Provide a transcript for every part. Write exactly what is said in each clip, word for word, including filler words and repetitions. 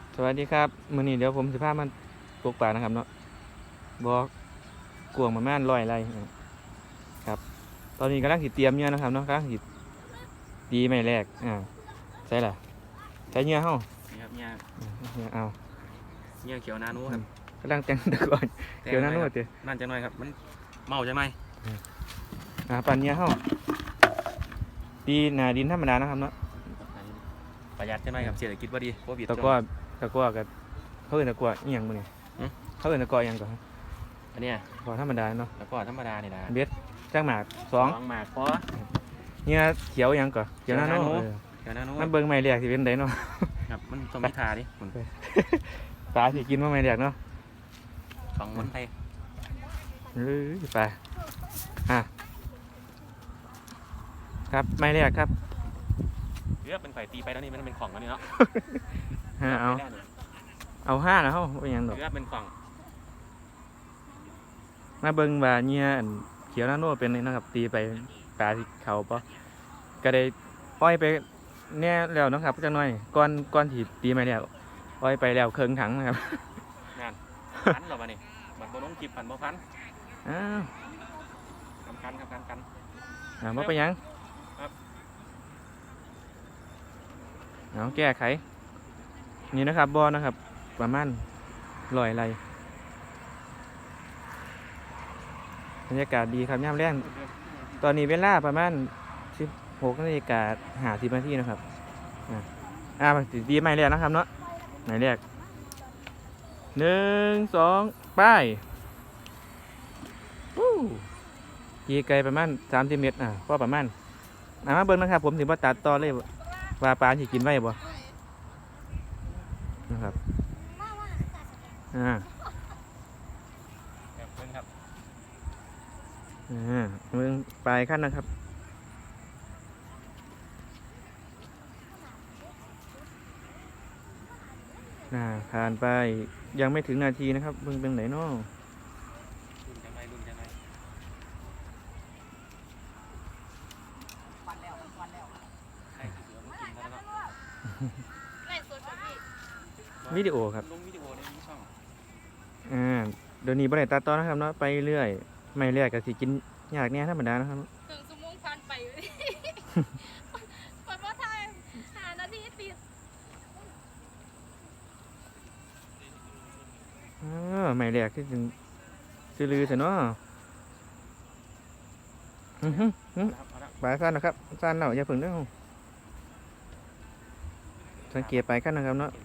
สวัสดีครับมื้อนี้เดี๋ยวผมสิพามันตกปลานะครับเนาะบอกกวางประมาณร้อยไร่ครับตอนนี้กำลังสิเตรียมเหยื่อนะครับเนาะกำลังสิตีไม้แรกอ่าใช่ล่ะใช้เหยื่อเฮานี่ครับเนี่ยเหยื่อเอาเนี่ยเขียวนานูครับกำลังแต่งตะกอนเดี๋ยวนั้นโน้ตเด้อนั่นจะหน่อยครับมันเมาใช่ไหมอ่าปั่นเหยื่อเฮาตีหน้าดินธรรมดานะครับเนาะประหยัดใช่ไหมครับเศรษฐกิจว่าดีโควิดตะกร้อตะกร้อกับเขาเอิ้นตะกร้ออีหยังมื้อนี้เขาเอิ้นตะกร้ออีหยังก่อนอันเนี้ยกร้อธรรมดาเนาะแล้วก็ธรรมดาเนี่ยนะเบ็ดจ้างหมากสองหมากพอเหยื่อเขียวอีหยังก่อนเขียวหน้าโน้ตเขียวนานูมันเบิ่งไม้แรกสิเป็นไดเนาะครับมันต้องมีทาดิคุณปลาสิกินว่าไม่แดกเนาะของมันไทยเออไปอ่ะครับไม่แรกครับเลือกเป็นไข่ตีไปแล้วนี่มันเป็นของแล้วนี่เนาะฮะเอาเอาห้าแล้วเขาเป็นหยังดอกเลือกเป็นของมาเบิ่งว่าเงี้ยอันเขียวหน้าโน่เป็นนี่นะครับ ตีไปปลาที่เขาปะก็ได้อ้อยไปแน่แล้วเนาะครับจังหน่อยก้อนก้อนที่ตีไม่แล้วอ้อยไปแล้วเครื่องถังนะครับงานพันหรอมาเนี่ยมันโบน้องจิบพันโบพันอ้าวกันกันครับกันกันอ่าบ่เป็นหยังเอาแก้ไขนี่นะครับบอนะครับ ประมาณลอยไรบรรยากาศดีครับย่ำแรงตอนนี้เวลาประมาณสิบหกนาฬิกาหาสิบนาทีนะครับอ่าอ่าดีไม่แรกนะครับเนาะไหนแรกหนึ่งสองป้ายวู้กีไกลประมาณสามสิบเมตรอ่าก็ประมาณอ่ามาเบิ้งนะครับผมถึงว่าตัดต่อเลยว่าปลาที่กินไว้บ่นะครับอ่าเพิ่งครับอ่าเมืองปลายขั้นนะครับอ่าผ่านไปยังไม่ถึงนาทีนะครับเบิ่งเป็นไหนเนาะรุ่นจะไหมรุ่นจะไหมใครที่เหลือมากินแล้วเนาะไล่สดกับพี่วิดีโอครับลงวิดีโอในช่องอ่าเดี๋ยวนี้บริษัทตัดต่อนะครับเนาะไปเรื่อยไม่เรื่อยก็สิกินยากเนี่ยธรรมดานะครับถึงสมงพันไปอยู่ดิเปิดว่าไทยหานาทีติดเออไม่เรื่อยคือถึงซื้อลือเถอะเนาะอือฮึอือครับเอาละปลายสั้นนะครับสั้นเนาะอย่าเพิ่งเด้อสังเกตปลายขั้นนะครับเนาะ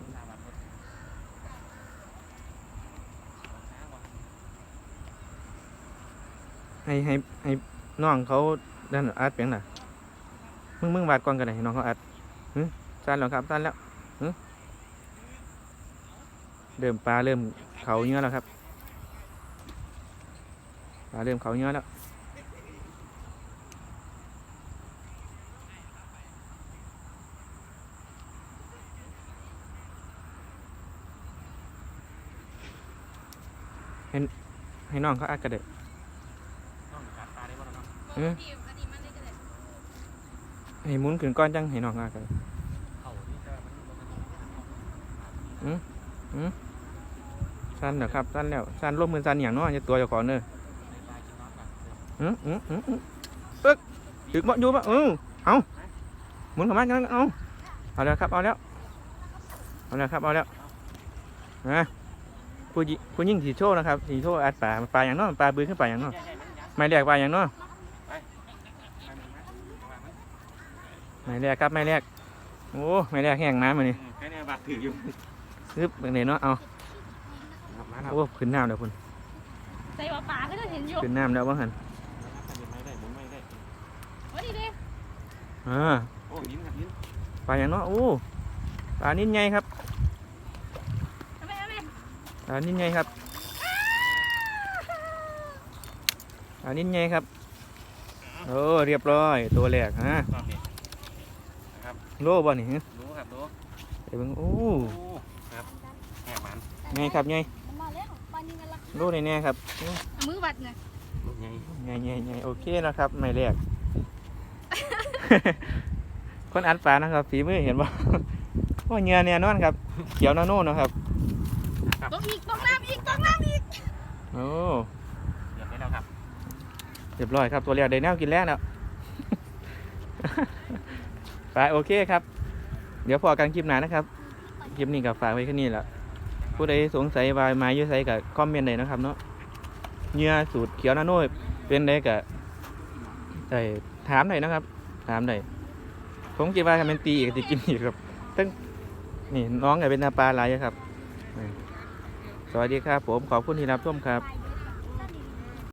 ให้ให้ให้น้องเขาดันอัดเปียงน่ะมึงมึงวาดก่อนกันไหนน้องเขาอัดหึสั้นแล้วครับสั้นแล้วหึเริ่มปลาเริ่มเขาเนื้อแล้วครับปลาเริ่มเขาเนื้อแล้วให้ให้น้องเขาอัดกันเด็ดต้องกัดตาได้บ้างเนาะเมื่อกี้อันนี้มันได้กันเลยให้หมุนขึ้นก้อนจังให้น้องเขาอัดกันเข่านี่จะมันสั้นแล้วครับสั้นแล้วสั้นร่วมมือสั้นอย่างน้อยจะตัวเจ้าของเนอะอืมอืมอืมอืมตึกตึกบ่อยู่บ่เออเอาหมุนเข้ามาจังเอาเอาแล้วครับเอาแล้วเอาแล้วครับเอาแล้วนะผู้หญิงผู้หญิงสีโชว์นะครับสีโชว์อัดปลาปลาอย่างน้อยปลาบืนขึ้นปลาอย่างน้อยไม่แรกปลาอย่างน้อยไม่แรกครับไม่แรกโอ้ไม่แรกแห้งน้ำมานี่แค่นี้บาดถืออยู่ซึบเป็นไงเนาะเอามาครับโอ้ขึ้นน้ำแล้วคุณใส่ว่าป่าก็จะเห็นอยู่ขึ้นน้ำแล้วบ้างหันไม่ได้หมุนไม่ได้ว่าดีดิอ่าโอ้ยิ้มครับยิ้มปลาอย่างน้อยโอ้ปลานิ่นไงครับทำไมทำไมปลานิ่นไงครับปลานิ่นไงครับโอ้เรียบร้อยตัวแรกฮะรอบนี้นะครับโลบ่นี่ฮะรู้ครับรู้เดี๋ยวเบิ่งโอ้ครับแหกมันไงครับไงมันมาแล้วปานิงกันละโลในแน่ครับมือวัดไงลูกใหญ่ไงไงไงโอเคนะครับไม่แรก คนอัดปลานะครับฝีมือเห็นบ่โอ้ยเหงื่อเนี่ยนอนครับเขียวนาโน่เนาะครับต้องอีกต้องน้ำอีกต้องน้ำอีกโอ้เดี๋ยวให้แล้วครับเรียบร้อยครับตัวเรียวได้แนวกินแล้วแล้ว ไปโอเคครับ เดี๋ยวพอกันคลิปหน้านะครับคลิปนี้ก็ฝากไว้แค่นี้แหละผู้ใดสงสัยว่ามาอยู่ไสก็คอมเมนต์เลยนะครับเนาะเหงื่อสูตรเขียวนาโน่เป็นไดก็ได้ถามหน่อยนะครับ ถามหน่อยผมคิดว่าถ้ามันตีอีกจะกินอีกครับตั้งนี่น้องก็เป็นนาปลาหลายอยู่ครับ สวัสดีครับผมขอบคุณที่รับชมครับ